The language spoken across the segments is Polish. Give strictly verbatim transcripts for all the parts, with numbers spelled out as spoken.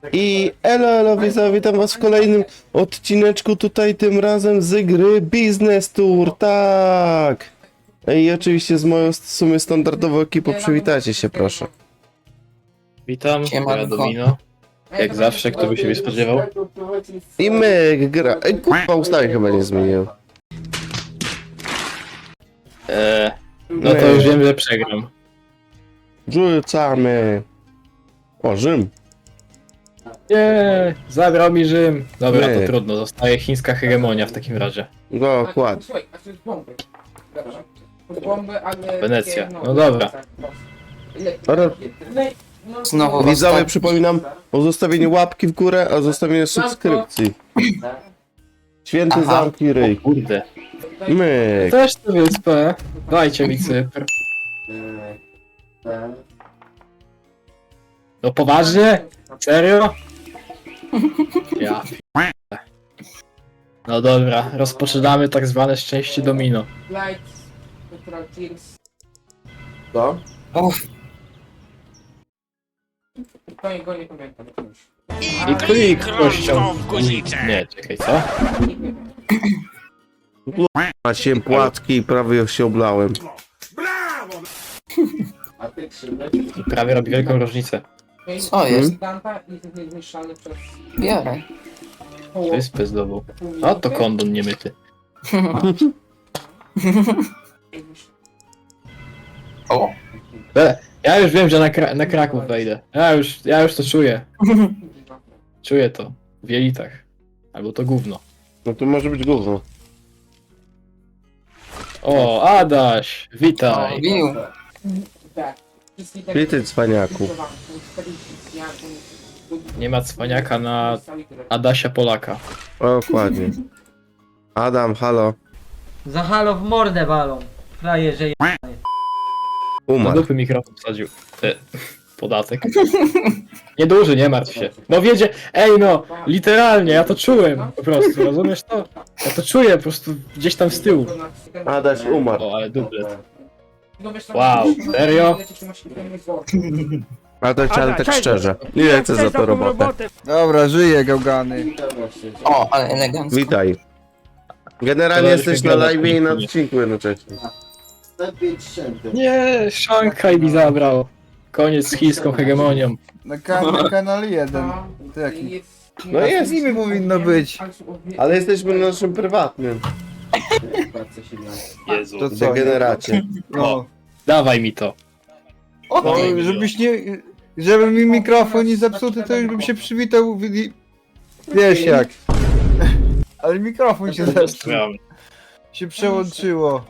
I elo, elo, widzowie, witam was w kolejnym odcineczku tutaj, tym razem z gry Business Tour, tak! I oczywiście z moją w sumie standardową ekipą, przywitajcie się proszę. Witam, Siemanko. ja Domino. Jak zawsze, kto by się nie spodziewał. I my gra... Ej, kurwa, ustawień chyba nie zmieniłem. Eee, no to już wiem, że przegram. Rzucamy! O, Rzym! Nie, zabrał mi Rzym. Dobra, Nie. to trudno, zostaje chińska hegemonia w takim razie. Dokładnie. Słuchaj, a to jest bomby. Dobra. Bomby, ale... Wenecja. No dobra. Dobra. Znowu Widzowie, ostatni. przypominam o zostawieniu łapki w górę, a zostawieniu subskrypcji. Święty Aha. zamki ryj. Kurde. Myk. Też tę wyspę. Dajcie mi Cypr. No poważnie? Serio? Ja p***. No dobra, rozpoczynamy tak zwane szczęście domino. Lights, Petrol Teams. Co? Uff, To go nie pamiętam już. I klik kością. Nie, czekaj, co? A się płatki i prawie się oblałem. I prawie robi wielką różnicę. Co jest? Danta i jest zniszczony przez biorę. połowę. Wyspę zdobył. O, to kondon niemyty. O, E, ja już wiem, że na, Kra na Kraków wejdę. Ja już, ja już to czuję. Czuję to. W jelitach. Albo to gówno. No to może być gówno. O, Adaś! Witaj! bił. Tak. Witaj, cwaniaku. Nie ma cwaniaka na Adasia Polaka. Dokładnie. Adam, halo. Za halo w mordę walą. Frajerze je... Na Umarł. dupy mikrofon wsadził. E, podatek. Nieduży, nie martw się. No wiedzie, ej no, literalnie, ja to czułem po prostu, rozumiesz to? Ja to czuję po prostu gdzieś tam z tyłu. Adaś umarł. O, ale dublet. Wow, serio? Adaś, ale tak szczerze. Nie chcę za to robotę. Dobra, żyję, gałgany. O, ale elegancko. Witaj. Generalnie To jesteś się na gada, live i na spokojnie. odcinku jednocześnie. Nie, Szanghaj mi zabrał. Koniec z chińską hegemonią. Na, kan na kanale jeden. Taki. No jest. Z nimi powinno być. Ale jesteśmy na naszym prywatnym Jezu. To co? degeneracie. No. Dawaj mi to. O, No, ty. żebyś nie... Żeby mi mikrofon nie zepsuty, to już bym się przywitał... w- i- Wiesz jak. Ale mikrofon się zepsuł. Się przełączyło.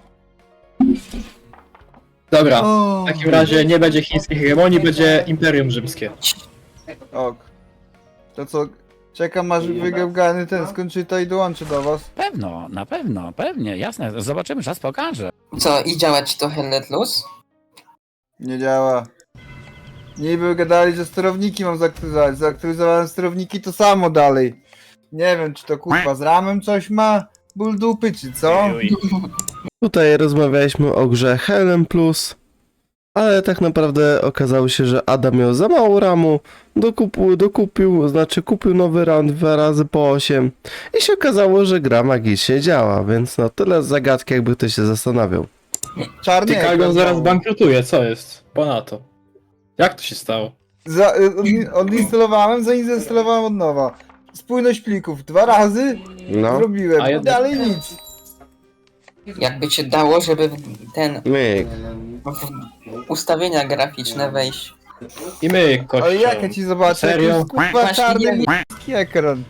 Dobra, O, w takim razie nie będzie chińskiej hegemonii, będzie Imperium Rzymskie. ok. To co? Czekam aż wygałgany ten skończy to i dołączy do was. Pewno, na pewno, pewnie, jasne. Zobaczymy, czas pokaże. Co, i działa ci to Hellet Plus? Nie działa. Niby gadali, że sterowniki mam zaktywizować. Zaktywyzowałem sterowniki, to samo dalej. Nie wiem, czy to kurwa z ramem coś ma? Ból dupy, czy co? Tutaj rozmawialiśmy o grze Helm Plus, ale tak naprawdę okazało się, że Adam miał za mało ramu, dokupił, dokupił, znaczy kupił nowy RAM dwa razy po osiem i się okazało, że gra magicznie działa, więc no tyle z zagadki, jakby ktoś się zastanawiał. Czarny Ty ekran Kalgon zaraz znowu. bankrutuje, co jest? Ponadto. Jak to się stało? Za, y, odin- odinstalowałem, zainstalowałem od nowa. Spójność plików dwa razy No, zrobiłem, A i jedna- dalej nic. Jakby cię dało, żeby w ten myk. w ustawienia graficzne wejść. I my, kościół. Ale jak ja ci zobaczę, Serio? jak jest kurwa Właśnie czarny nie- niebieski ekran.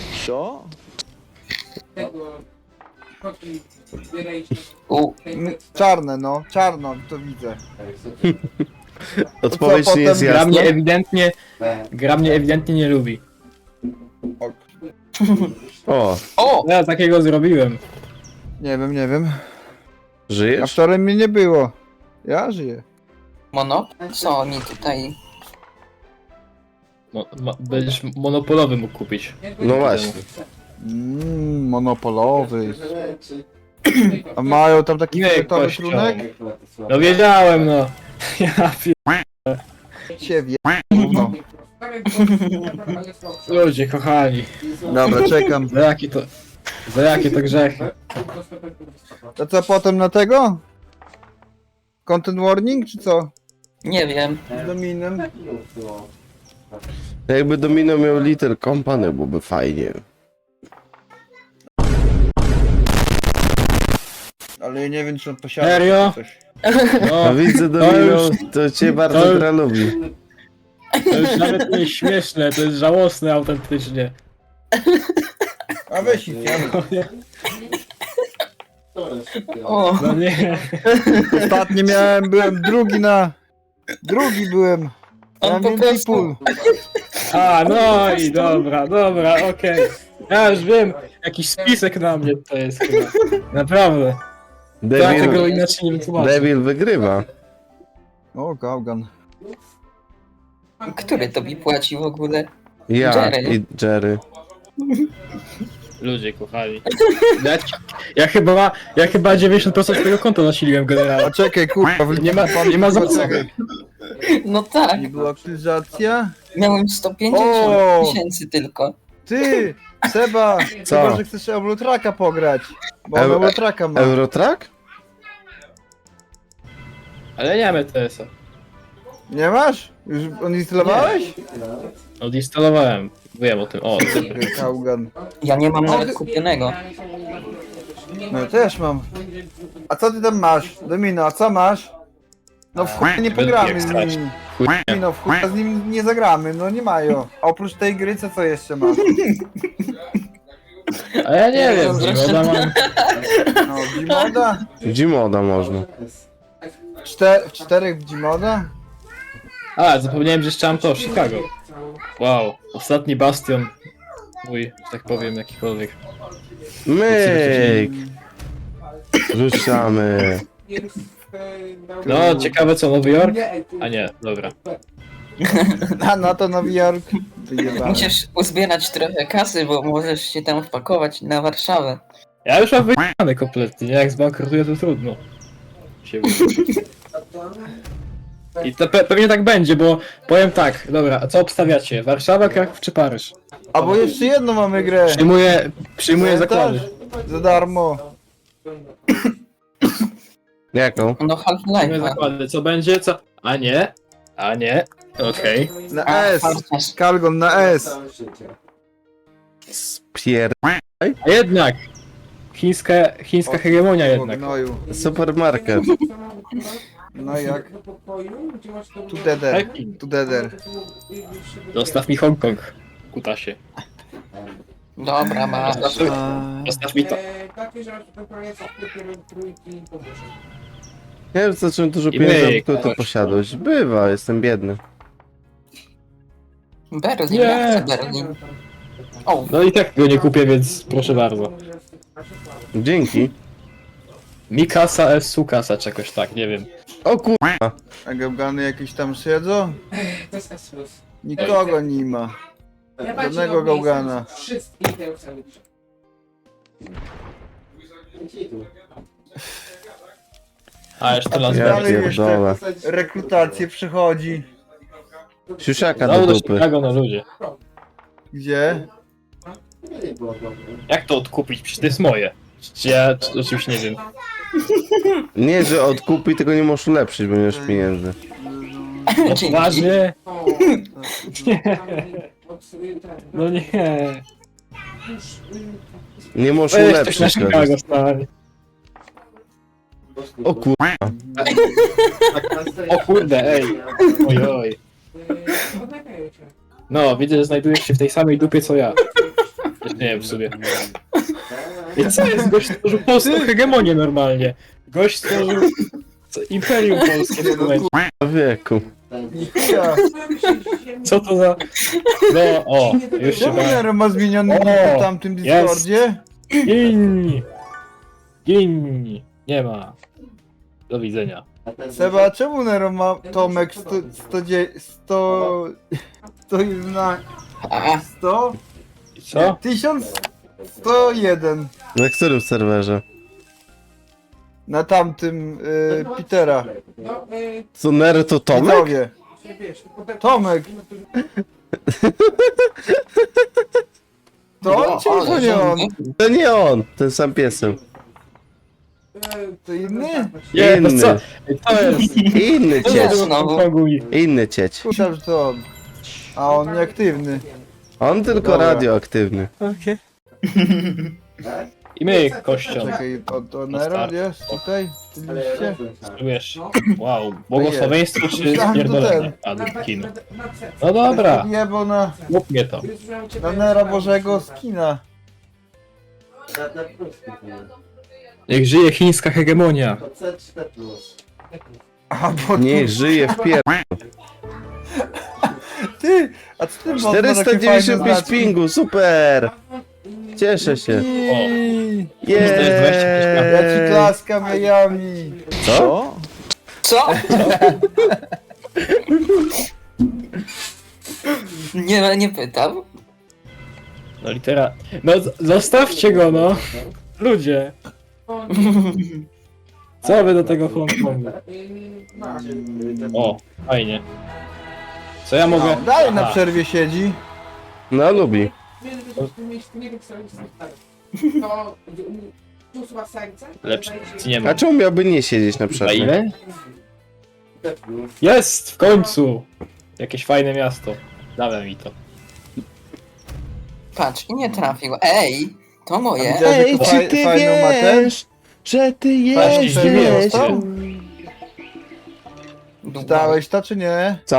U, M- Czarne no, czarno, to widzę. Odpowiedź Co nie jest potem Gra mnie jasna. ewidentnie, gra mnie ewidentnie nie lubi. O, o, Ja takiego zrobiłem. Nie wiem, nie wiem. A żyjesz? wczoraj mnie nie było. Ja żyję. mono? Co oni tutaj... Mo ma będziesz monopolowy mógł kupić. No właśnie. Mmm, monopolowy. A mają tam taki Nie, fioletowy kością. trunek? No wiedziałem, no. Ja pier... Cię wie... No. Ludzie, kochani. Dobra, czekam. Za jakie to... Za jakie to grzechy? To co potem na tego? Content warning czy co? Nie wiem. Z Dominem? Jakby Domino miał Little Company, byłoby fajnie. Ale ja nie wiem czy on posiada Serio? coś. No, A widzę Domino, już- to cię bardzo to już- gra lubi. to już nawet nie jest śmieszne, to jest żałosne autentycznie. A weź ich, ja O, No nie. ostatnio miałem, byłem drugi na... Drugi byłem. On Miałem po więcej prostu- pól. A, no i dobra, dobra, okej. Ja już wiem, jakiś spisek na mnie to jest chyba. Naprawdę. Ja tego Devil, inaczej nie wytłumaczę. Devil wygrywa. O, Gaugan. który to mi płaci w ogóle? Ja Jerry. i Jerry. Ludzie, kochani. Ja, ja chyba, ja chyba dziewięćdziesiąt procent tego konta nasiliłem A generalnie. czekaj, kurwa, wy- Nie ma, nie ma za co. Czekaj. No tak, Nie była aktywizacja? miałem sto pięćdziesiąt O! tysięcy tylko. Ty! Seba! Co? Chyba, że chcesz Eurotraka pograć. Bo on Eu- Eurotraka ma. Eurotrack? Ale nie mam E T S-a. Nie masz? Już odinstalowałeś? Odinstalowałem. Wiem o tym. O, ty. Gaugan. Ja nie mam nawet kupionego. No ja też mam. A co ty tam masz? Domino, a co masz? No w chuj nie będę pogramy jak z strać. nimi. Chuj. No w chuj z nimi nie zagramy, no nie mają. A oprócz tej gry, co co jeszcze masz? A ja nie wiem, Dobra. Gimoda mam. No, Gmoda? Gmoda można. Czter, w czterech w Gmoda? A, zapomniałem, że jeszcze mam to, Chicago. Wow, ostatni bastion. Mój, że tak powiem, jakikolwiek. Myk! Ruszamy. No, ciekawe co, Nowy Jork? A nie, dobra. A no to Nowy Jork. Wyjebane. Musisz uzbierać trochę kasy, bo możesz się tam wpakować na Warszawę. Ja już mam wyjechane kompletnie, nie? Jak zbankrutuję, to trudno. Się I to pe pewnie tak będzie, bo powiem tak, dobra, a co obstawiacie? Warszawa, Kraków czy Paryż? A bo jeszcze jedną mamy grę. Przyjmuję, przyjmuję zakłady. Za darmo. Jaką? No Przyjmuję Half-Life. zakłady, co będzie, co? A nie, a nie, okej. Na A, S. Farciarz. Kalgon na S. Spier... A jednak! Chińska, chińska hegemonia O jednak. gnoju. Supermarket. No jak? Together. Pekin. Together. Zostaw mi Hongkong, kutasie. Dobra, masz. Zostaw, A, zostaw mi to. Ja już zacząłem dużo I pieniędzy, myk, aby to chodź. posiadać. Bywa, jestem biedny. Berlin, Nie. ja chcę Berlin. O, No i tak go nie kupię, więc proszę bardzo. Dzięki. Mikasa es Sukasa, czegoś tak, nie wiem. O kur... a gałgany jakieś tam siedzą? To jest S plus. Nikogo nie ma. Ja Żadnego gałgana. Wszystkich tych samych. A jeszcze las Ja Dalej pierdolę. jeszcze rekrutację przychodzi. Siusiaka do Znowu do dupy. Chicago na ludzie. Gdzie? Jak to odkupić? Przecież to jest moje. Czy ja czy, oczywiście nie wiem. Nie, że odkupi, tylko nie możesz ulepszyć, bo nie masz pieniędzy. No Dzięki. poważnie? O, Nie. No nie. Nie możesz Weź coś na ulepszyć. Chicago, teraz. stary. O kur... O kurde, ej. Oj, oj. No, widzę, że znajdujesz się w tej samej dupie co ja. Jeszcze nie wiem w sobie. I co jest? Gość stworzył polską hegemonię normalnie. Gość stworzył co- Imperium Polskie w tym momencie. Wieku. Ja. Co to za... No, o, już się Czemu bałem. Nero ma zmieniony O, nick na tamtym Discordzie? Gin! Gin! Nie ma. Do widzenia. Seba, czemu Nero ma Tomek sto... sto... sto... sto... jedna... A, sto... I co? tysiąc sto jeden. Na którym serwerze? Na tamtym y, Petera. No, y, Co, Nero to Tomek? Widzowie. wiesz, potem- Tomek. To on czy ale to nie on? To nie on, ten sam piesem. To inny? Nie, to Inny. co? Ej, to jest. Inny To cieć. jest znowu. Inny cieć. Myślałem, że to on. A on nieaktywny. On tylko Dobra. radioaktywny. I my, kością. Czekaj, to, to Nero jest tutaj? W tym liście? Czujesz? Wow, błogosławieństwo czy Myślałem, że to spierdolenie? Anakin. No dobra, Jebo na, mów mnie to. na Nera Bożego skina. Niech żyje chińska hegemonia. A bo Niech żyje w pier... ty! A co ty masz na takie czterysta dziewięćdziesiąt fajne pięć znaczki? pingu, super! Cieszę się. Iii, Jeee. Ja ci klaskam jajami. Co? Co? Nie, nie pytam. No litera... No z- zostawcie go, no. Ludzie. Co wy do tego Hongkongu? O, fajnie. Co ja mogę... No, dalej na Aha. przerwie siedzi. No lubi. To usuwa serce. Lepsze nie ma. A czemu miałby nie siedzieć na Na przerwie? ile? Jest! W końcu! Jakieś fajne miasto. Dawaj mi to. Patrz, i nie trafił. Ej, to moje. Widziałeś, Ej, jaką czy faj, ty fajną ma ten? wiesz, że ty Właśnie, jesteś? zdziwiłem się. Czytałeś to czy nie? Co?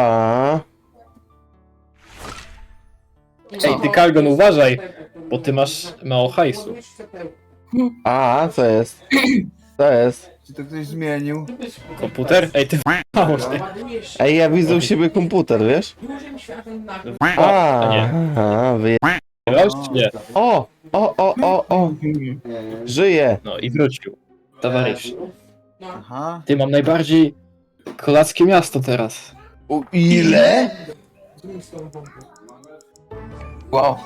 Ej, ty Kalgon, uważaj! Bo ty masz mało hajsu. A, co jest? Co jest? Czy to ktoś zmienił? Komputer? Ej, ty mało ty. Ej, ja widzę u siebie komputer, wiesz? O, a nie. A, wyje... Grałeś czy nie? O! O, o, o, o! Żyje! No i wrócił. Towarzysz. Aha. Ty, mam najbardziej kolackie miasto teraz. U, ile? Wow.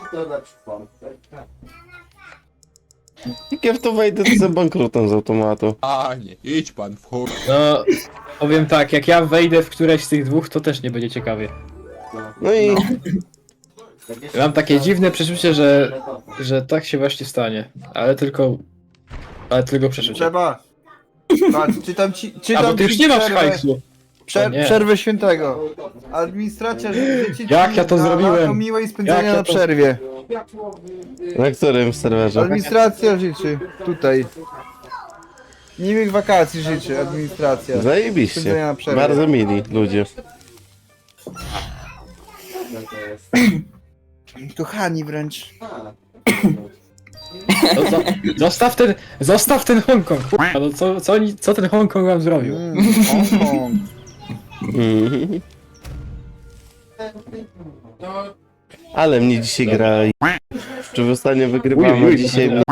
Jak ja w to wejdę, to za bankrutem z automatu. Panie, idź pan w chuj. No, powiem tak, jak ja wejdę w któreś z tych dwóch, to też nie będzie ciekawie. No i... Mam takie dziwne przeczucie, że, że tak się właśnie stanie. Ale tylko... Ale tylko przeczucie. Trzeba. Patrz, czytam ci, A, czytam bo ty już ci nie masz przerwę, hajsu. przer, O nie. przerwę świętego. Administracja życzy ci Jak ja to na zrobiłem? lato miłej spędzenia Jak ja na to- przerwie. Na którym serwerze? Administracja życzy. Tutaj. Miłych wakacji życzy administracja. Zajebiście. Spędzenia na przerwie. Bardzo mili ludzie. Kochani wręcz. To, co, zostaw ten, zostaw ten Hongkong. Kurwa, no co, co, oni, co ten Hongkong wam zrobił? Mm, Hongkong. Mhm. No, Ale mnie dzisiaj gra i... Czy ostatnio wygrywamy, Uj, uj, dzisiaj mnie...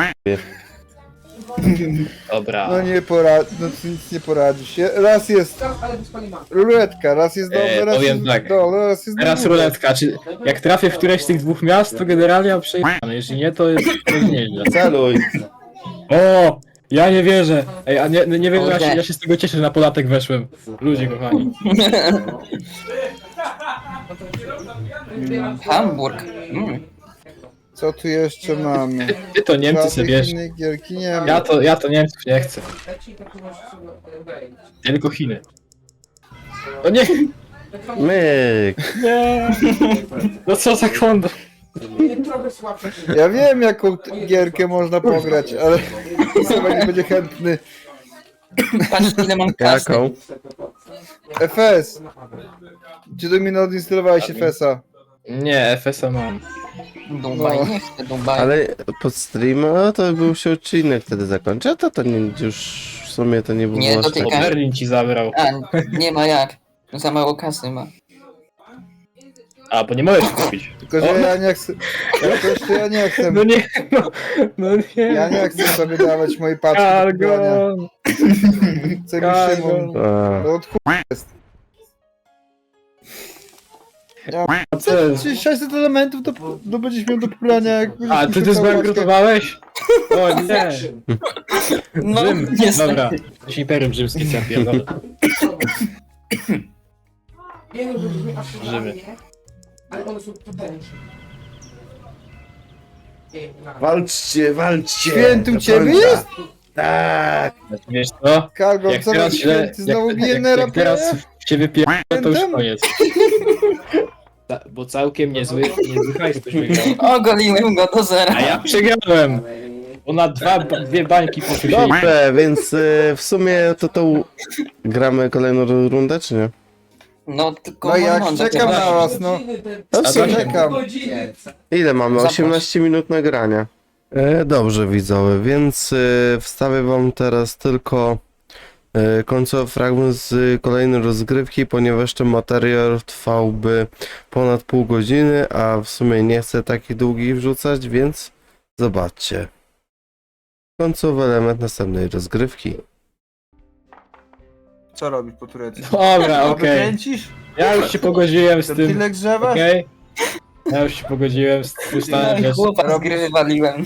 Dobra. No nie porad... No tu nic nie poradzisz. Je- Raz jest ale wyspali ma. ruletka, raz jest dobre, E, raz powiem jest tak. dole, raz jest Teraz na górze. ruletka, czy jak trafię w któreś z tych dwóch miast, to generalnie mam przejechane. Jeśli nie, to jest, to jest nieźle. Celuj! O! Ja nie wierzę! Ej, a nie, nie wiem, ja się, Kurde. ja się z tego cieszę, że na podatek weszłem. Ludzie kochani. Hamburg. Mm. Co tu jeszcze mamy? Ty, ty to Niemcy sobie Żadnych bierz. innych gierki nie ma. Ja to, ja to Niemców nie chcę. Leci, tak możesz sobie wejść. Tylko Chiny. O nie! Myk! Nie! No co za kondo? Trochę słabsze. Ja wiem jaką t- gierkę można pograć, ale chyba nie będzie chętny. Patrz ile mam kasy. Jaką? F S! Czy do mnie nie odinstalowałeś F S a? Nie, F S a mam. Dubaj, No. nie chcę Dubaj. Ale pod stream, no to był się odcinek wtedy zakończy, a to to nie, już w sumie to nie było Nie, aż to tak... ty- Bo Berlin ci zabrał. A, nie ma jak. Za mało kasy ma. A, bo nie możesz kupić. Tylko, że O. ja nie chcę. Jakoś to ja nie chcę. No nie, no, no nie. Ja nie chcę sobie dawać mojej paczki do kupowania. Cargo! Chcę mi Cargo. Szymon. A, To od chuj jest. Ja A co jest? czy sześćset elementów to, to będziesz miał do pobrania jak będziesz A, ty ty musiał całą paczkę- zbankrutowałeś? O nie! No, Rzym, niestety. dobra. Jakiś imperium rzymskie, co ja pierdolę. Nie, no, żeby aż Żywy. Ale one są potężne. Ej, na- Walczcie, walczcie! Święty u do ciebie końca. jest? Tak! Wiesz co? Kargo, Jak co teraz, robi źle, święty? Znowu jak, bije jak, Nera jak teraz się wypierdolę, to już Świętem? koniec. Ta- Bo całkiem niezły, niezły hajs ktoś wygrał. Ogoliłem go do zera. A ja przegrałem! Bo na dwa, dwie bańki poszły się. Dobrze, więc y, w sumie to to u- gramy kolejną ru- rundę, czy nie? No tylko No jak Mormonda czekam też. na was, no. Godziny te- No w sumie czekam. Godziny. Ile mamy? Zapraszam. osiemnaście minut nagrania. E, dobrze widzowie, więc e, wstawię wam teraz tylko e, końcowy fragment z kolejnej rozgrywki, ponieważ ten materiał trwałby ponad pół godziny, a w sumie nie chcę takich długich wrzucać, więc zobaczcie. Końcowy element następnej rozgrywki. Co robisz po turecku? Dobra, okej. Kręcisz? Ja już się pogodziłem z To tym. tyle grzewasz? Okej? Ja już się pogodziłem z tym No stanem i rzeczy. chłopa z gry wywaliłem.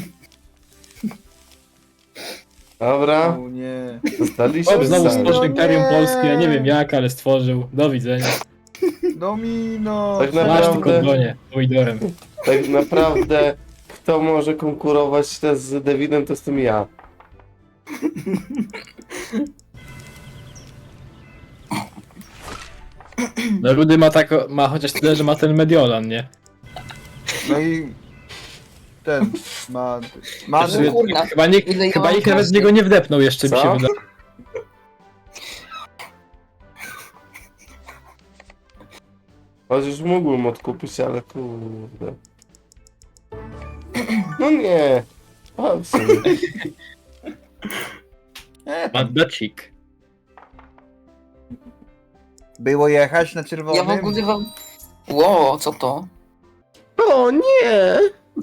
Dobra, O nie. zostaliśmy Chłop znowu sami. stworzył Imperium nie. Polskie, ja nie wiem jak, ale stworzył. Do widzenia. Domino. Tak Masz naprawdę- tylko bronię, pomidorem. Tak naprawdę, kto może konkurować też z Davidem, to jestem ja. No Rudy ma tak, ma chociaż tyle, że ma ten Mediolan, nie? No i ten ma. ma Znaczy, no kurna, chyba nikt, ile ja chyba mam nikt nawet z kasy? niego nie wdepnął jeszcze, mi Co? się wydaje. Chociaż mógłbym odkupić, ale kurde. No nie. A, w sumie. Mandacik. Było jechać na czerwonym? Ja w ogóle wam... Ło, co to? O nie!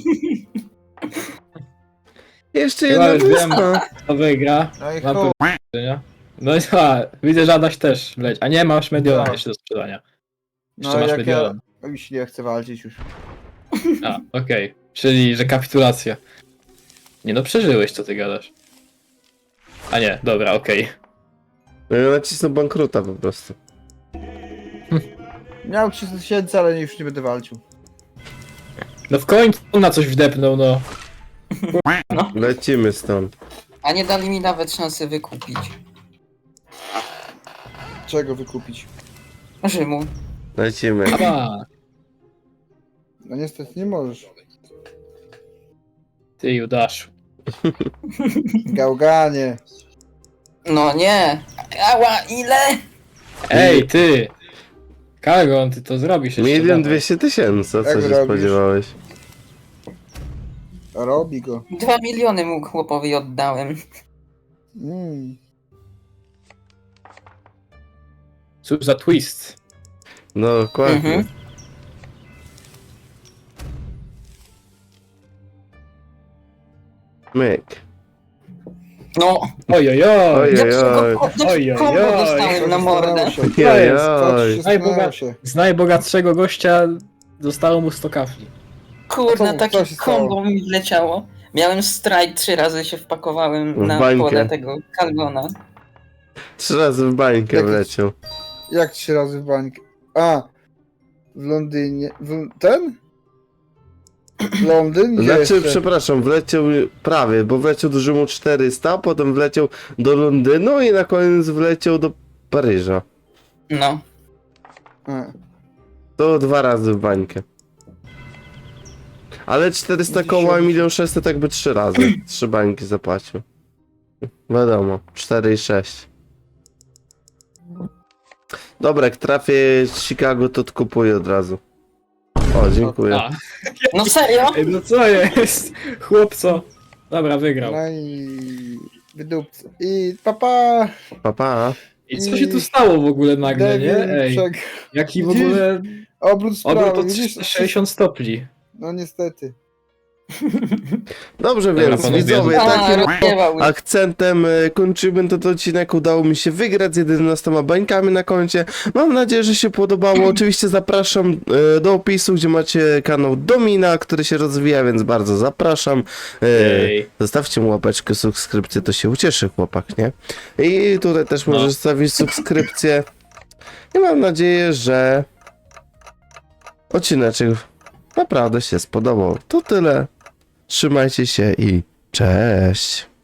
Jeszcze Chyba jedna już wiem. wyspa. To wygra. No i Mam chuj. nie? No i a, widzę, że Adaś też leć. A nie, masz Mediolan Tak. jeszcze do sprzedania. Jeszcze No masz jak ja... Mediolan. Już nie chcę walczyć już. A, okej. Czyli, że kapitulacja. Nie no, przeżyłeś, co ty gadasz. A nie, dobra, okej. No ja nacisnę bankruta po prostu. Miał trzysta tysięcy, ale już nie będę walczył. No w końcu na coś wdepnął, no. Lecimy stąd. A nie dali mi nawet szansy wykupić. Czego wykupić? Rzymu. Lecimy. A, No niestety nie możesz. ty Judaszu. Gałganie. No nie. Ała, ile? Ej, ty! Kargon, ty to zrobisz jeszcze. Milion dawaj. dwieście tysięcy, a co Jak się robisz? spodziewałeś? Robi go. Dwa miliony mu chłopowi oddałem. Mm. Cóż za twist. No dokładnie. Mhm. Myk. No. Oj, oj, oj. Oj, oj, Dlaczego oj. ko- dlaczego Oj, oj, kombo oj. dostałem na mordę? Się. To jest, Oj, Skocz się, Najboga- stanęło się. Z najbogatszego gościa zostało mu sto kafli. Kurde, Co- co takie się stało? kombo mi wleciało. Miałem strike, trzy razy się wpakowałem W na bańkę. pole tego Kalgona. Trzy razy w bańkę Jakiś- wleciał. Jak trzy razy w bańkę? A! W Londynie. W... Ten? Londyn? Gdzie Znaczy, jeszcze? przepraszam, wleciał prawie, bo wleciał do Rzymu czterysta, potem wleciał do Londynu i na koniec wleciał do Paryża. No. A. To dwa razy w bańkę. Ale czterysta Widzisz, koła, jak- milion sześćset jakby trzy razy. Trzy bańki zapłacił. Wiadomo, cztery i sześć. Dobra, jak trafię Chicago, to kupuję od razu. O, dziękuję. A. No serio? Ej, no co jest? Chłopco. Dobra, wygrał. No i... Wydupcy. I papa! Pa, pa. I co się tu stało w ogóle nagle, nie? Devil, Ej, czek. jaki w Widzisz? ogóle Obrót sprawy, obrót o widzisz? sześćdziesiąt stopni. No niestety. Dobrze, Dobra, więc panowie, widzowie, A, takim rozpiewał. akcentem e, kończymy ten odcinek. Udało mi się wygrać z jedenastoma bańkami na koncie. Mam nadzieję, że się podobało. Oczywiście zapraszam e, do opisu, gdzie macie kanał Domina, który się rozwija, więc bardzo zapraszam. E, Ej. Zostawcie mu łapeczkę, subskrypcję, to się ucieszy chłopak, nie? I tutaj też No. możesz zostawić subskrypcję. I mam nadzieję, że odcineczek naprawdę się spodobał. To tyle. Trzymajcie się i cześć.